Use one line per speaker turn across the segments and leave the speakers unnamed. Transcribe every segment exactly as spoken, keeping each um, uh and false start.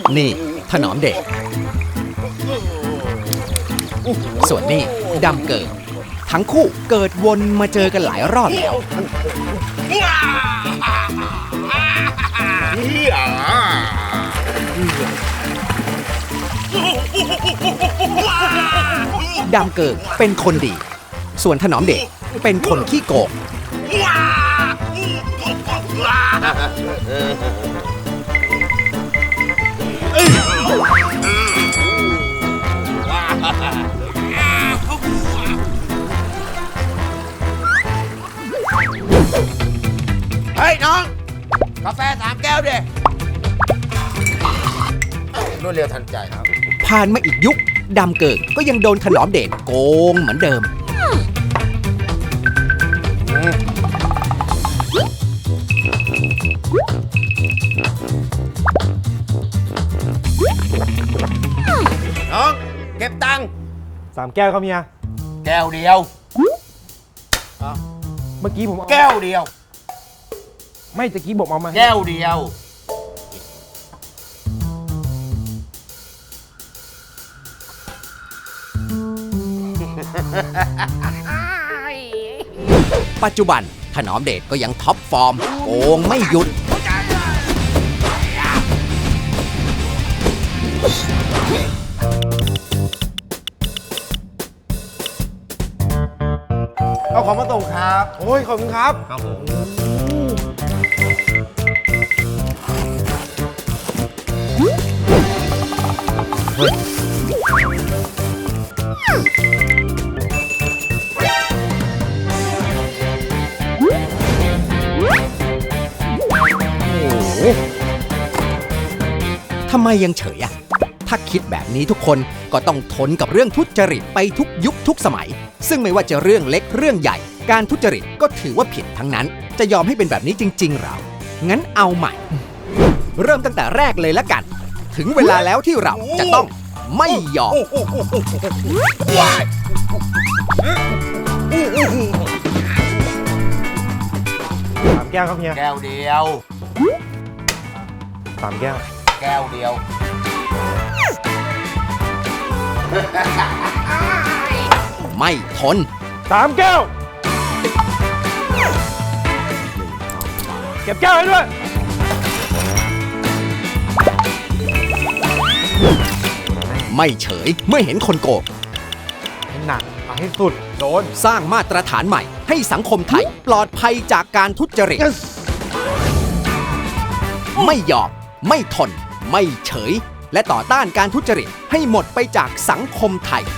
นี่ถนอมเดชส่วนนี่ดำเกิดทั้งคู่เกิดวนมาเจอกันหลายรอบแล้วดำเกิดเป็นคนดีส่วนถนอมเดชเป็นคนขี้โกง
เฮ้ยน้องกาแฟสามแก้วดิรวดเร็วทันใจครับ
ผ่านมาอีกยุคดำเกิดก็ยังโดนถนอมเดชโกงเหมือนเดิม
น้องเก็บตังค์
สามแก้วครับเมีย
แก้วเดียว
เมื่อกี้ผม
แก้วเดียว
ไม่ตะกี้บอกเอามา
แก้วเดียว
ปัจจุบันถนอมเดชก็ยังท็อปฟอร์มโกงไม่หยุด
เอาของมาส่งครับโอ้ยขอบคุณครับ
ครับผม
ทำไมยังเฉยอะถ้าคิดแบบนี้ทุกคนก็ต้องทนกับเรื่องทุจริตไปทุกยุคทุกสมัยซึ่งไม่ว่าจะเรื่องเล็กเรื่องใหญ่การทุจริตก็ถือว่าผิดทั้งนั้นจะยอมให้เป็นแบบนี้จริงๆหรองั้นเอาใหม่เริ่มตั้งแต่แรกเลยละกันถึงเวลาแล้วที่เราจะต้องไม่ยอม
สามแก้วครับเมีย
แก้วเดียว
สามแก้ว
แก้วเดียว
ไม่ทน
สามแก้วเก็บแก้วให้ด้วย
ไม่เฉยเมื่อเห็นคนโกง
ให้หนักเอาให้สุดโดน
สร้างมาตรฐานใหม่ให้สังคมไทยปลอดภัยจากการทุจริต yes. ไม่ยอมไม่ทนไม่เฉยและต่อต้านการทุจริตให้หมดไปจากสังคมไทย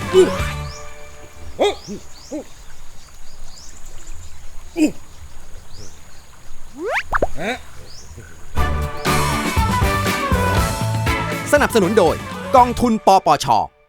สนับสนุนโดยกองทุนปปช